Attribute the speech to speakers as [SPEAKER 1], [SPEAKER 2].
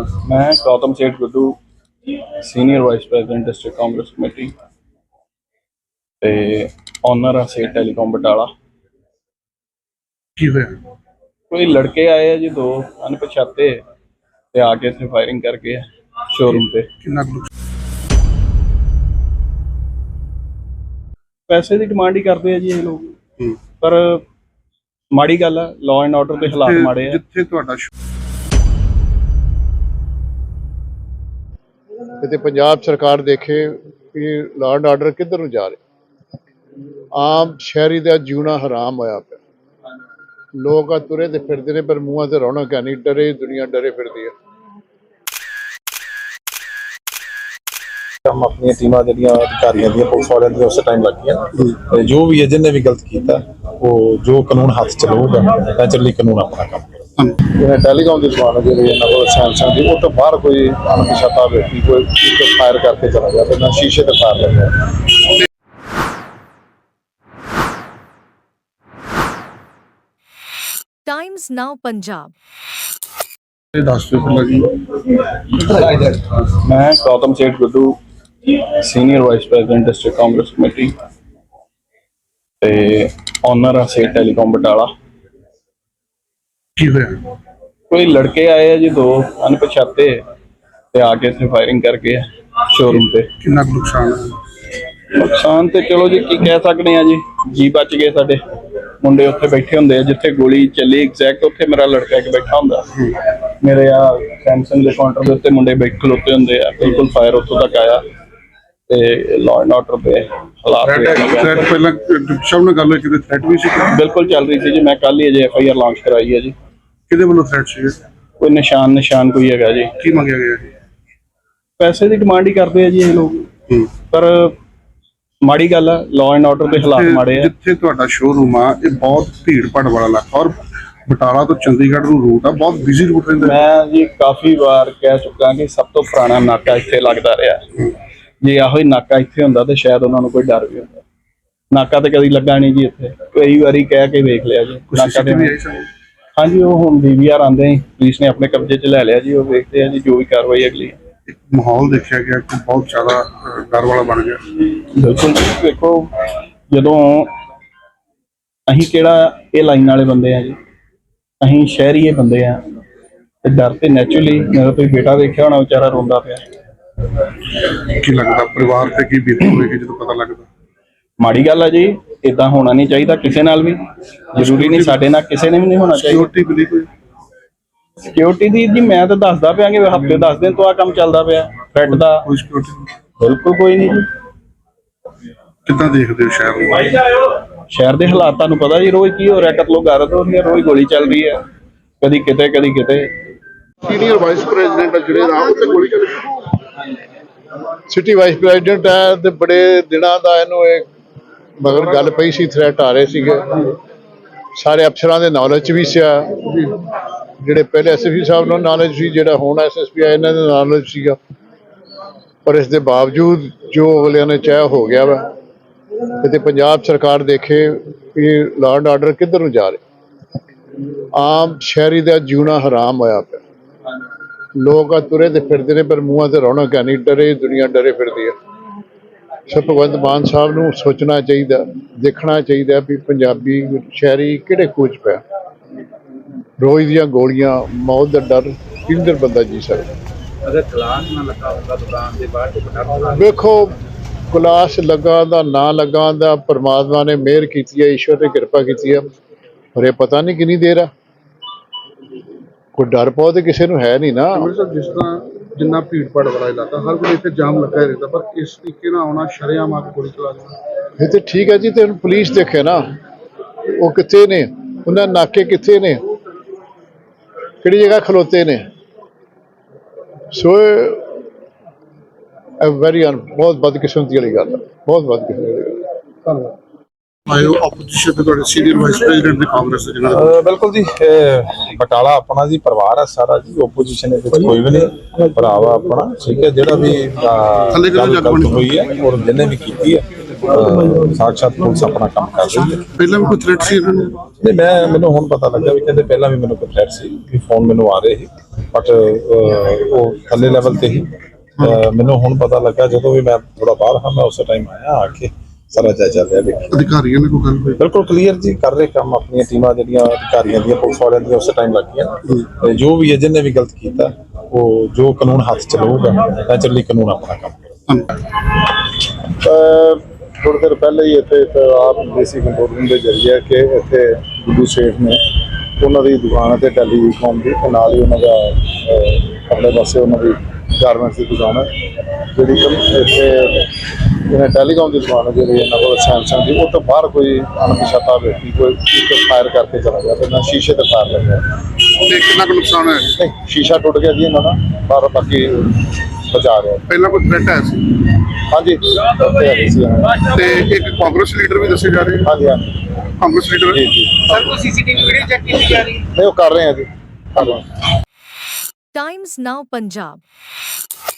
[SPEAKER 1] मैं Gautam Seth Guddu senior vice president district Congress committee ते owner आ सेठ टेलीकॉम बटाला।
[SPEAKER 2] की होया?
[SPEAKER 1] कोई लड़के आए हैं जी, दो अनपछाते ते आके इत्थे फायरिंग करके शोरूम पे
[SPEAKER 2] कितना कुछ
[SPEAKER 1] पैसे की डिमांड ही करते हैं जी ये लोग। पर माड़ी गल है, लॉ एंड ऑर्डर के हालात माड़े है।
[SPEAKER 2] जिथे ਤੁਹਾਡਾ
[SPEAKER 3] ਤੇ ਪੰਜਾਬ ਸਰਕਾਰ ਦੇਖੇ ਕਿ ਲਾਅ ਐਂਡ ਆਰਡਰ ਕਿੱਧਰ ਨੂੰ ਜਾ ਰਿਹਾ। ਆਮ ਸ਼ਹਿਰੀ ਦਾ ਜਿਉਣਾ ਹਰਾਮ ਹੋਇਆ ਪਿਆ। ਲੋਕ ਆ ਤੁਰੇ ਤੇ ਫਿਰਦੇ ਨੇ, ਪਰ ਮੂੰਹਾਂ ਤੇ ਰੌਣਕ ਹੈ ਨਹੀਂ, ਡਰੇ ਦੁਨੀਆ ਡਰੇ ਫਿਰਦੀ ਹੈ।
[SPEAKER 4] हम अपनी टीमां ਜਿਹੜੀਆਂ ਅਧਿਕਾਰੀਆਂ ਦੀਆਂ ਪੁਲਿਸ ਵਾਲਿਆਂ ਦੀਆਂ ਉਸੇ ਟਾਈਮ ਲੱਗੀਆਂ ਤੇ ਜੋ ਵੀ ਹੈ ਜਿਹਨੇ ਵੀ ਗਲਤ ਕੀਤਾ ਉਹ ਜੋ ਕਾਨੂੰਨ ਹੱਥ ਚ ਲਊਗਾ ਨੈਚੁਰਲੀ ਕਾਨੂੰਨ ਆਪਣਾ ਕੰਮ ਕਰੇਗਾ। ਜਿਵੇਂ ਟੈਲੀਕਾਮ ਦੀ ਦੁਕਾਨ ਜਿਹੜੇ ਇਹਨਾਂ ਕੋਲ ਸੈਮਸੰਗ ਦੀ, ਉਹ ਤੋਂ ਬਾਹਰ ਕੋਈ ਅਣਪਛਾਤਾ ਵਿਅਕਤੀ ਕੋਈ ਫਾਇਰ ਕਰਕੇ ਚਲਾ ਗਿਆ ਤੇ ਨਾ ਸ਼ੀਸ਼ੇ ਤੇ ਫਾਇਰ ਲੱਗਿਆ।
[SPEAKER 5] Times Now Punjab.
[SPEAKER 2] ਦੱਸ ਦਿਓ ਪਹਿਲਾਂ ਜੀ।
[SPEAKER 1] मैं Gautam Seth Guddu senior vice president district Congress committee ते ऑनर आ सेठ टेलीकॉम बटाला।
[SPEAKER 2] की होया?
[SPEAKER 1] कोई लड़के आए हैं जी, दो अनपछाते ते आके इत्थे फायरिंग करके शोरूम पे
[SPEAKER 2] कितना कुछ नुकसान है?
[SPEAKER 1] नुकसान ते चलो जी की कह सकते हैं जी बच गए। साडे मुंडे उत्थे बैठे होंदे आ जिथे गोली चली, एग्जैक्ट उत्थे मेरा लड़का एक बैठा हुंदा। मेरे आ सैमसंग दे काउंटर दे उत्ते मुंडे बैठ खलोते हुंदे आ। बिल्कुल फायर उत्थों तक आया ते लॉ एंड ऑर्डर दे हालात
[SPEAKER 2] थ्रेट ਪਹਿਲਾਂ ਸਭ ਨਾਲ ਗੱਲ ਹੋਈ ਕਿ ਥ੍ਰੈਟ ਵੀ ਸੀ?
[SPEAKER 1] बिल्कुल चल रही थी जी। मैं कल ही अजे FIR लॉन्च कराई है जी।
[SPEAKER 2] ਕਿਹਦੇ ਵੱਲੋਂ ਥ੍ਰੈਟ ਸੀ?
[SPEAKER 1] कोई निशान कोई हैगा जी।
[SPEAKER 2] ਕੀ ਮੰਗਿਆ ਗਿਆ ਸੀ?
[SPEAKER 1] पैसे की डिमांड ही करते हैं जी ये लोग। पर माड़ी गल है, लॉ एंड ऑर्डर के हालात माड़े है।
[SPEAKER 2] ਜਿੱਥੇ ਤੁਹਾਡਾ ਸ਼ੋਰੂਮ ਆ ਇਹ ਬਹੁਤ ਭੀੜ ਭਾੜ ਵਾਲਾ ਇਲਾਕਾ ਔਰ ਬਟਾਲਾ ਤੋਂ ਚੰਡੀਗੜ੍ਹ ਨੂੰ ਰੂਟ ਆ, ਬਹੁਤ ਬਿਜ਼ੀ ਰੂਟ ਰਹਿੰਦਾ।
[SPEAKER 1] मैं जी काफी बार कह चुका कि सब तो पुराना नाका इत्थे लगदा रहा। जे आहो ही नाका इत्थे हुंदा ते शायद उन्हां नूं कोई डर भी हुंदा। नाका ते कदी लगा नहीं जी इत्थे, कई बारी कह के देख लिया जी। नाका ते हाँ जी, वो हुण DVR आंदे ही पुलिस ने अपने कब्जे च ले लिया जी। वो देखते हैं जी जो भी कार्रवाई अगली है।
[SPEAKER 2] ਇੱਕ ਮਾਹੌਲ ਦੇਖਿਆ ਗਿਆ ਕਿ ਬਹੁਤ ਜ਼ਿਆਦਾ ਡਰ ਵਾਲਾ ਬਣ ਗਿਆ।
[SPEAKER 1] बिल्कुल जी, देखो जदों असीं किहड़ा ये लाइन वाले बंदे हैं जी, असीं शहरी ये बंदे हैं ते डर ते नैचुरली। मेरा कोई बेटा देखिया होना बेचारा रोंदा पिया।
[SPEAKER 2] ਕੀ ਲੱਗਦਾ ਪਰਿਵਾਰ ਤੇ ਕੀ ਬੀਤੀ ਹੋਵੇਗੀ ਜਦੋਂ ਪਤਾ ਲੱਗਦਾ?
[SPEAKER 1] माड़ी गल है जी, इदां होना नहीं चाहिए किसी नाल भी। जरूरी नहीं साडे नाल किसी ने भी नहीं होना चाहिए।
[SPEAKER 2] ਸਿਕਿਉਰਿਟੀ ਮਿਲੀ ਕੋਈ?
[SPEAKER 1] सिक्योरिटी दी जी मैं तो दसदा पिया कि हफ्ते 10 दिन तो आ काम चलदा पिया थ्रेट दा।
[SPEAKER 2] ਕੋਈ ਸਿਕਿਉਰਿਟੀ
[SPEAKER 1] बिल्कुल कोई नहीं जी।
[SPEAKER 2] ਕਿੱਦਾਂ ਦੇਖਦੇ ਹੋ ਸ਼ਹਿਰ ਨੂੰ?
[SPEAKER 1] शहर के हालात तुहानूं पता जी, रोज की हो रहा, कतलो गारत हो रही है, रोज गोली चल रही है, कदी किते कदी किते।
[SPEAKER 3] ਸੀਨੀਅਰ ਵਾਈਸ ਪ੍ਰੈਜ਼ੀਡੈਂਟ ਜਿਹੜੇ ਰਾਹ ਉੱਤੇ ਗੋਲੀ ਚੱਲੀ। ਸਿਟੀ ਵਾਈਸ ਪ੍ਰੈਜ਼ੀਡੈਂਟ ਹੈ ਤੇ ਬੜੇ ਦਿਨਾਂ ਦਾ ਇਹਨੂੰ ਇਹ ਮਗਰ ਗੱਲ ਪਈ ਸੀ, ਥ੍ਰੈਟ ਆ ਰਹੇ ਸੀਗੇ। ਸਾਰੇ ਅਫਸਰਾਂ ਦੇ ਨੌਲੇਜ ਵੀ ਸੀ, ਜਿਹੜੇ ਪਹਿਲੇ SSP ਸਾਹਿਬ ਨੂੰ ਨੌਲੇਜ ਸੀ, ਜਿਹੜਾ ਹੁਣ SSP ਆ ਇਹਨਾਂ ਦੇ ਨੌਲੇਜ ਸੀਗਾ। ਪਰ ਇਸ ਦੇ ਬਾਵਜੂਦ ਜੋ ਅਗਲਿਆਂ ਨੇ ਚਾਹਿਆ ਹੋ ਗਿਆ ਵਾ। ਤੇ ਪੰਜਾਬ ਸਰਕਾਰ ਦੇਖੇ ਕਿ ਲਾਅ ਐਂਡ ਆਰਡਰ ਕਿੱਧਰ ਨੂੰ ਜਾ ਰਿਹਾ। ਆਮ ਸ਼ਹਿਰੀ ਦਾ ਜਿਉਣਾ ਹਰਾਮ ਹੋਇਆ ਪਿਆ। ਲੋਕ ਆ ਤੁਰੇ ਤੇ ਫਿਰਦੇ ਨੇ, ਪਰ ਮੂੰਹਾਂ ਤੇ ਰੌਣਕ ਹੈ ਨਹੀਂ, ਡਰੇ ਦੁਨੀਆ ਡਰੇ ਫਿਰਦੀ ਹੈ। ਸੋ ਭਗਵੰਤ ਮਾਨ ਸਾਹਿਬ ਨੂੰ ਸੋਚਣਾ ਚਾਹੀਦਾ, ਦੇਖਣਾ ਚਾਹੀਦਾ ਵੀ ਪੰਜਾਬੀ ਸ਼ਹਿਰੀ ਕਿਹੜੇ ਕੂਚ ਪਿਆ। ਰੋਜ਼ ਦੀਆਂ ਗੋਲੀਆਂ, ਮੌਤ ਦਾ ਡਰ ਕਿੰਦਰ ਬੰਦਾ ਜੀ ਸਕਦਾ।
[SPEAKER 6] ਅਗਰ ਗਲਾਸ ਨਾ ਲੱਗਾ ਹੁੰਦਾ ਦੁਕਾਨ ਦੇ ਬਾਹਰ
[SPEAKER 3] ਵੇਖੋ ਗਲਾਸ ਲੱਗਾ ਦਾ ਨਾ ਲੱਗਾ ਦਾ ਪਰਮਾਤਮਾ ਨੇ ਮਿਹਰ ਕੀਤੀ ਹੈ, ਈਸ਼ਵਰ ਨੇ ਕਿਰਪਾ ਕੀਤੀ ਹੈ। ਪਰ ਇਹ ਪਤਾ ਨਹੀਂ ਕਿੰਨੀ ਦੇਰ ਆ। ਕੋਈ ਡਰ ਪਾਓ ਤੇ ਕਿਸੇ ਨੂੰ ਹੈ ਨਹੀਂ ਨਾ।
[SPEAKER 2] ਜਿਸ ਤਰ੍ਹਾਂ ਜਿੰਨਾ ਭੀੜ ਭਾੜ ਵਾਲਾ ਇਲਾਕਾ, ਹਰ ਕੋਈ ਇੱਥੇ ਜਾਮ ਲੱਗਾ ਹੀ ਰਹਿੰਦਾ, ਪਰ ਇਸ ਤਰੀਕੇ ਨਾਲ ਆਉਣਾ ਸ਼ਰੇਆਮ ਆ ਕੇ ਗੋਲੀ ਚਲਾ ਦੇਣਾ।
[SPEAKER 3] ਇਹ ਤੇ ਠੀਕ ਹੈ ਜੀ, ਤੇ ਹੁਣ ਪੁਲਿਸ ਦੇਖੇ ਨਾ ਉਹ ਕਿੱਥੇ ਨੇ, ਉਹਨਾਂ ਨਾਕੇ ਕਿੱਥੇ ਨੇ, ਕਿਹੜੀ ਜਗ੍ਹਾ ਖਲੋਤੇ ਨੇ। ਸੋ ਬਹੁਤ ਬਦਕਿਸਮਤੀ ਵਾਲੀ ਗੱਲ ਹੈ, ਬਹੁਤ ਬਦਕਿਸਮਤੀ ਵਾਲੀ ਗੱਲ ਹੈ।
[SPEAKER 2] ਧੰਨਵਾਦ। ਆਇਓ ਆਪੋਜੀਸ਼ਨ ਤੇ ਤੁਹਾਡੇ ਸੀਨੀਅਰ ਵਾਈਸ ਪ੍ਰੈਜ਼ੀਡੈਂਟ ਦੇ ਕਾਂਗਰਸ ਦੇ ਜਿਹਨਾਂ
[SPEAKER 4] ਬਿਲਕੁਲ ਜੀ, ਬਟਾਲਾ ਆਪਣਾ ਜੀ ਪਰਿਵਾਰ ਹੈ ਸਾਰਾ ਜੀ। ਓਪੋਜੀਸ਼ਨ ਦੇ ਵਿੱਚ ਕੋਈ ਵੀ ਨਹੀਂ, ਭਰਾ ਵਾ ਆਪਣਾ। ਠੀਕ ਹੈ, ਜਿਹੜਾ ਵੀ ਗੱਲ ਗਲਤ ਹੋਈ ਹੈ ਔਰ ਜਿਹਨੇ ਵੀ ਕੀਤੀ ਹੈ ਸਾਕਸ਼ਾਤ ਪੁਲਿਸ ਆਪਣਾ ਕੰਮ ਕਰ ਰਹੀ ਹੈ।
[SPEAKER 2] ਪਹਿਲਾਂ ਵੀ ਕੋਈ ਥ੍ਰੈਟ ਸੀ ਇਹਨਾਂ ਨੂੰ?
[SPEAKER 4] ਨਹੀਂ, ਮੈਨੂੰ ਹੁਣ ਪਤਾ ਲੱਗਾ ਵੀ ਕਹਿੰਦੇ ਪਹਿਲਾਂ ਵੀ ਮੈਨੂੰ ਕੋਈ ਥ੍ਰੈਟ ਸੀ ਕਿ ਫੋਨ ਮੈਨੂੰ ਆ ਰਹੇ ਸੀ, ਬਟ ਉਹ ਥੱਲੇ ਲੈਵਲ ਤੇ ਹੀ। ਮੈਨੂੰ ਹੁਣ ਪਤਾ ਲੱਗਾ ਜਦੋਂ ਵੀ ਮੈਂ ਥੋੜਾ ਬਾਹਰ ਹਾਂ, ਮੈਂ ਉਸੇ ਟਾਈਮ ਆਇਆ, ਆ ਕੇ ਸਾਰਾ ਜਾਇਜ਼ਾ ਲਿਆ। ਦੇਖਿਆ
[SPEAKER 2] ਅਧਿਕਾਰੀਆਂ ਨੇ ਕੋਈ ਗੱਲ ਹੋਈ?
[SPEAKER 4] ਬਿਲਕੁਲ ਕਲੀਅਰ ਜੀ, ਕਰ ਰਹੇ ਕੰਮ ਆਪਣੀਆਂ ਟੀਮਾਂ ਜਿਹੜੀਆਂ ਅਧਿਕਾਰੀਆਂ ਦੀਆਂ ਪੁਲਿਸ ਵਾਲਿਆਂ ਦੀਆਂ ਉਸੇ ਟਾਈਮ ਲੱਗੀਆਂ। ਤੇ ਜੋ ਵੀ ਹੈ ਜਿਹਨੇ ਵੀ ਗਲਤ ਕੀਤਾ ਉਹ ਜੋ ਕਾਨੂੰਨ ਹੱਥ ਚ ਲਊਗਾ, ਨੈਚੁਰਲੀ ਕਾਨੂੰਨ ਆਪਣਾ ਕੰਮ ਕਰੇਗਾ। ਥੋੜ੍ਹੀ ਦੇਰ ਪਹਿਲੇ ਹੀ ਇੱਥੇ ਆਪ ਦੇਸੀ ਕੰਟਰੋਲ ਰੂਮ ਦੇ ਜ਼ਰੀਏ ਕਿ ਇੱਥੇ ਗੁੱਡੂ ਸੇਠ ਨੇ ਉਹਨਾਂ ਦੀ ਦੁਕਾਨ ਤੇ ਟੈਲੀਕਾਮ ਦੀ ਤੇ ਨਾਲ ਹੀ ਉਹਨਾਂ ਦਾ ਆਪਣੇ ਪਾਸੇ ਉਹਨਾਂ ਦੀ ਗਾਰਮੈਂਟਸ ਦੀ ਦੁਕਾਨ ਹੈ ਜਿਹੜੀ ਇੱਥੇ ਇਹਨਾਂ ਟੈਲੀਕਾਮ ਦੀ ਦੁਕਾਨ ਹੈ ਜਿਹੜੀ ਇਹਨਾਂ ਕੋਲ ਸੈਮਸੰਗ ਦੀ, ਉਹ ਤੋਂ ਬਾਹਰ ਕੋਈ ਅਣਪਛਾਤਾ ਵਿਅਕਤੀ ਕੋਈ ਇੱਕ ਫਾਇਰ ਕਰਕੇ ਚਲਾ ਗਿਆ ਤੇ ਨਾਲ ਸ਼ੀਸ਼ੇ ਤੇ ਫਾਇਰ ਲੱਗਿਆ।
[SPEAKER 2] ਤੇ ਕਿੰਨਾ ਕੁ ਨੁਕਸਾਨ ਹੋਇਆ?
[SPEAKER 4] ਨਹੀਂ, ਸ਼ੀਸ਼ਾ ਟੁੱਟ ਗਿਆ ਜੀ ਇਹਨਾਂ ਦਾ, ਪਰ ਬਾਕੀ ਬਚਾ ਰਿਹਾ।
[SPEAKER 2] ਪਹਿਲਾਂ ਕੋਈ ਥ੍ਰੈਟ ਆਇਆ ਸੀ?
[SPEAKER 4] ਹਾਂਜੀ, ਉੱਥੇ ਹੈਗੇ ਸੀ।
[SPEAKER 2] ਤੇ ਇੱਕ ਕਾਂਗਰਸ ਲੀਡਰ ਵੀ ਦੱਸੇ ਜਾ ਰਹੇ?
[SPEAKER 4] ਹਾਂਜੀ ਹਾਂਜੀ
[SPEAKER 2] ਕਾਂਗਰਸ ਲੀਡਰ?
[SPEAKER 4] ਜੀ ਜੀ,
[SPEAKER 6] ਸਰ ਕੋਈ ਸੀਸੀਟੀਵੀ ਵੀਡੀਓ ਚੈੱਕ ਕੀਤੀ ਜਾ ਰਹੀ ਹੈ?
[SPEAKER 4] ਨਹੀਂ ਉਹ ਕਰ ਰਹੇ ਆ ਜੀ, ਕਰ ਰਹੇ ਆ।
[SPEAKER 5] Times Now Punjab